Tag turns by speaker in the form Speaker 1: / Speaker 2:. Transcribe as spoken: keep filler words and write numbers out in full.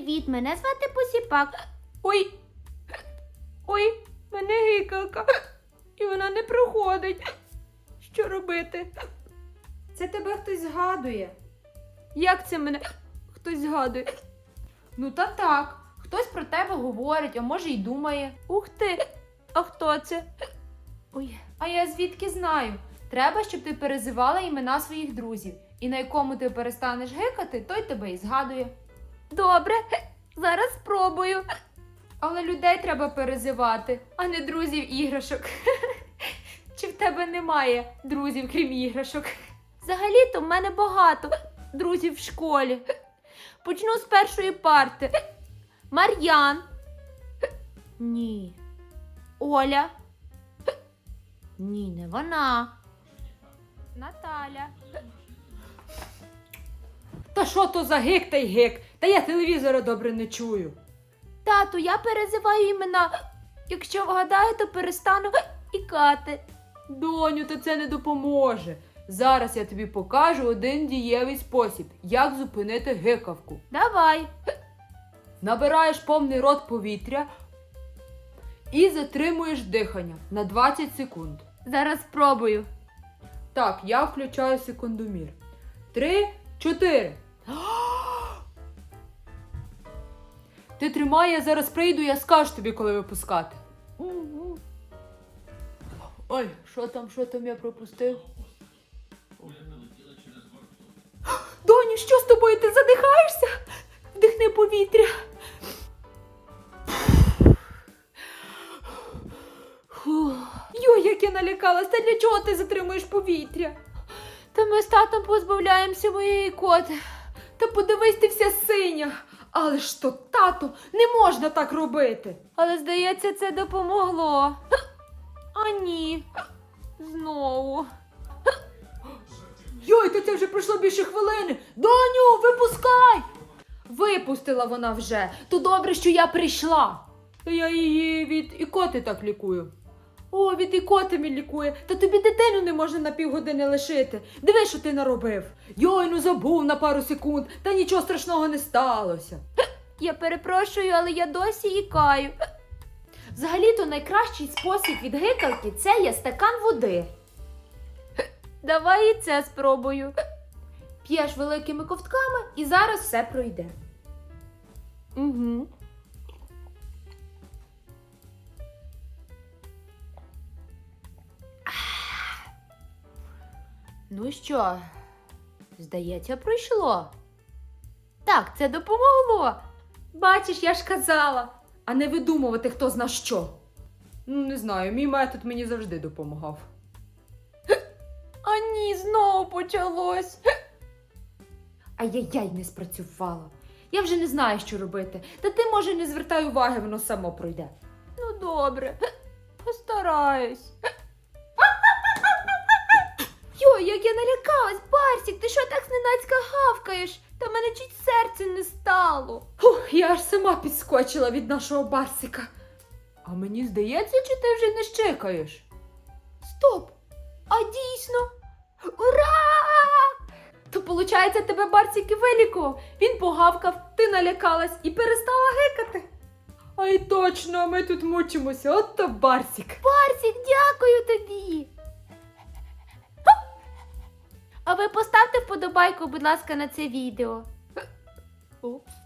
Speaker 1: Привіт, мене звати Посіпак.
Speaker 2: Ой, ой, мене гикалка, і вона не проходить. Що робити?
Speaker 3: Це тебе хтось згадує.
Speaker 2: Як це мене хтось згадує?
Speaker 3: Ну та так, хтось про тебе говорить, а може й думає.
Speaker 2: Ух ти, а хто це?
Speaker 3: Ой, а я звідки знаю? Треба, щоб ти перезивала імена своїх друзів. І на якому ти перестанеш гикати, той тебе і згадує.
Speaker 2: Добре, зараз спробую.
Speaker 3: Але людей треба перезивати, а не друзів іграшок. Чи в тебе немає друзів, крім іграшок?
Speaker 2: Взагалі-то в мене багато друзів в школі. Почну з першої парти. Мар'ян. Ні. Оля. Ні, не вона. Наталя.
Speaker 3: Та що то за гик та й гик? Та я телевізора добре не чую.
Speaker 2: Тату, я перезиваю імена. Якщо вгадаю, то перестану ікати.
Speaker 3: Доню, та це не допоможе. Зараз я тобі покажу один дієвий спосіб, як зупинити гикавку.
Speaker 2: Давай.
Speaker 3: Набираєш повний рот повітря і затримуєш дихання на двадцять секунд.
Speaker 2: Зараз спробую.
Speaker 3: Так, я включаю секундомір. Три, чотири. Ти тримай, я зараз прийду, я скажу тобі, коли випускати. Ой, що там, що там я пропустив?
Speaker 2: Доню, що з тобою? Ти задихаєшся? Вдихни повітря.
Speaker 3: Йой, як я налякалась, та для чого ти затримуєш повітря?
Speaker 2: Та ми з татом позбавляємося моєї коти.
Speaker 3: Та подивись, ти вся синя. Але ж то, тато, не можна так робити.
Speaker 2: Але, здається, це допомогло. А ні. Знову.
Speaker 3: Йой, то це вже пройшло більше хвилини. Доню, випускай! Випустила вона вже. То добре, що я прийшла. Та я її від ікоти так лікую. О, від ікоти мій лікує. Та тобі дитину не можна на півгодини лишити. Диви, що ти наробив. Йой, ну забув на пару секунд. Та нічого страшного не сталося.
Speaker 2: Я перепрошую, але я досі ікаю.
Speaker 3: Взагалі-то найкращий спосіб від гикалки – це є стакан води.
Speaker 2: Давай і це спробую.
Speaker 3: П'єш великими ковтками і зараз все пройде.
Speaker 2: Угу. Ну що, здається, пройшло. Так, це допомогло.
Speaker 3: Бачиш, я ж казала. А не видумувати, хто зна що. Ну, не знаю, мій метод мені завжди допомагав.
Speaker 2: А ні, знову почалось.
Speaker 3: Ай-яй-яй, не спрацювало. Я вже не знаю, що робити. Та ти, може, не звертай уваги, воно само пройде.
Speaker 2: Ну, добре. Постараюсь. Йой, як я налякалась, Барсік, ти що так зненацька гавкаєш? Та мене чуть серце не стало.
Speaker 3: Фух, я аж сама підскочила від нашого Барсика. А мені здається, чи ти вже не щекаєш?
Speaker 2: Стоп! А дійсно? Ура!
Speaker 3: То, виходить, тебе Барсик і вилікував. Він погавкав, ти налякалась і перестала гикати. Ай точно, ми тут мучимося, от то Барсик.
Speaker 2: Барсік, дякую тобі! А ви поставте вподобайку, будь ласка, на це відео.
Speaker 3: Упс.